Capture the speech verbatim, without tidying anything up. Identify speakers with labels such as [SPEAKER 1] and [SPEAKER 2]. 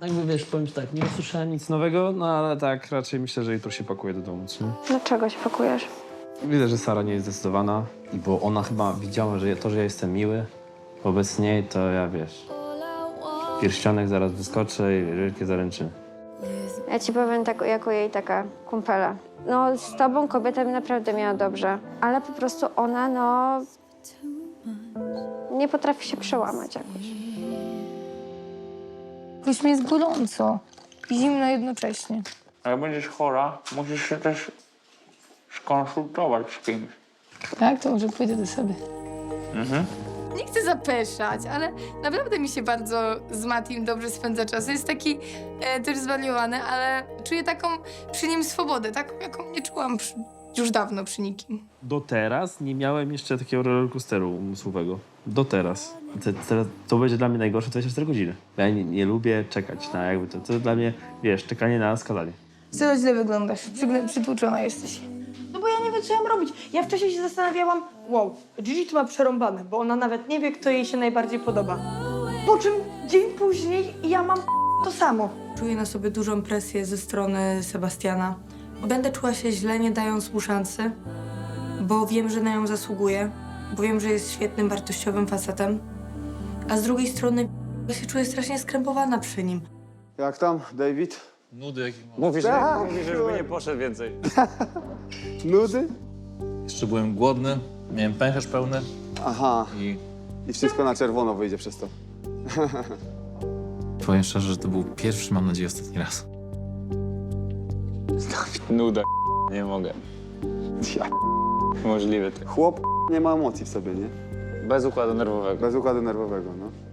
[SPEAKER 1] Jakby wiesz, powiem ci tak, nie usłyszałem nic nowego, no ale tak raczej myślę, że jutro się pakuje do domu, co?
[SPEAKER 2] Dlaczego się pakujesz?
[SPEAKER 1] Widzę, że Sara nie jest zdecydowana, bo ona chyba widziała, że to, że ja jestem miły wobec niej, to ja wiesz, pierścionek zaraz wyskoczę i wielkie zaręczyny.
[SPEAKER 2] Ja ci powiem tak, jako jej taka kumpela. No z tobą kobieta mi naprawdę miała dobrze, ale po prostu ona, no... nie potrafi się przełamać jakoś.
[SPEAKER 3] Jakoś mi jest gorąco i zimno jednocześnie.
[SPEAKER 4] A jak będziesz chora, musisz się też skonsultować z kimś.
[SPEAKER 3] Tak, to może pójdę do sobie.
[SPEAKER 4] Mhm.
[SPEAKER 3] Nie chcę zapeszać, ale naprawdę mi się bardzo z Matim dobrze spędza czas. Jest taki e, też zwariowany, ale czuję taką przy nim swobodę, taką, jaką nie czułam przy, już dawno przy nikim.
[SPEAKER 1] Do teraz nie miałem jeszcze takiego rollercoasteru umysłowego. Do teraz. Te, te, to będzie dla mnie najgorsze dwadzieścia cztery godziny. Ja nie, nie lubię czekać na jakby to. To dla mnie, wiesz, czekanie na skazanie.
[SPEAKER 3] Coraz źle wyglądasz, Przygle- przytłuczona jesteś.
[SPEAKER 5] No bo ja nie wiem, co ja mam robić. Ja wcześniej się zastanawiałam, wow, Gigi to ma przerąbane, bo ona nawet nie wie, kto jej się najbardziej podoba. Po czym dzień później ja mam to samo. Czuję na sobie dużą presję ze strony Sebastiana. Będę czuła się źle, nie dając mu szansy, bo wiem, że na nią zasługuję, bo wiem, że jest świetnym, wartościowym facetem. A z drugiej strony ja się czuję strasznie skrępowana przy nim.
[SPEAKER 6] Jak tam, David?
[SPEAKER 7] Nudy jakie mam.
[SPEAKER 8] Mówisz,
[SPEAKER 6] Tak,
[SPEAKER 8] że, mówisz, że żeby nie poszedł więcej.
[SPEAKER 6] Nudy?
[SPEAKER 7] Jeszcze byłem głodny, miałem pęcherz pełny
[SPEAKER 6] Aha,
[SPEAKER 7] i
[SPEAKER 6] i wszystko na czerwono wyjdzie przez to.
[SPEAKER 7] powiem szczerze, że to był pierwszy, mam nadzieję, ostatni raz.
[SPEAKER 8] Nuda. Nie mogę.
[SPEAKER 6] Ja.
[SPEAKER 8] Możliwe to.
[SPEAKER 6] Chłop nie ma emocji w sobie, nie?
[SPEAKER 8] Bez układu nerwowego.
[SPEAKER 6] Bez układu nerwowego, no.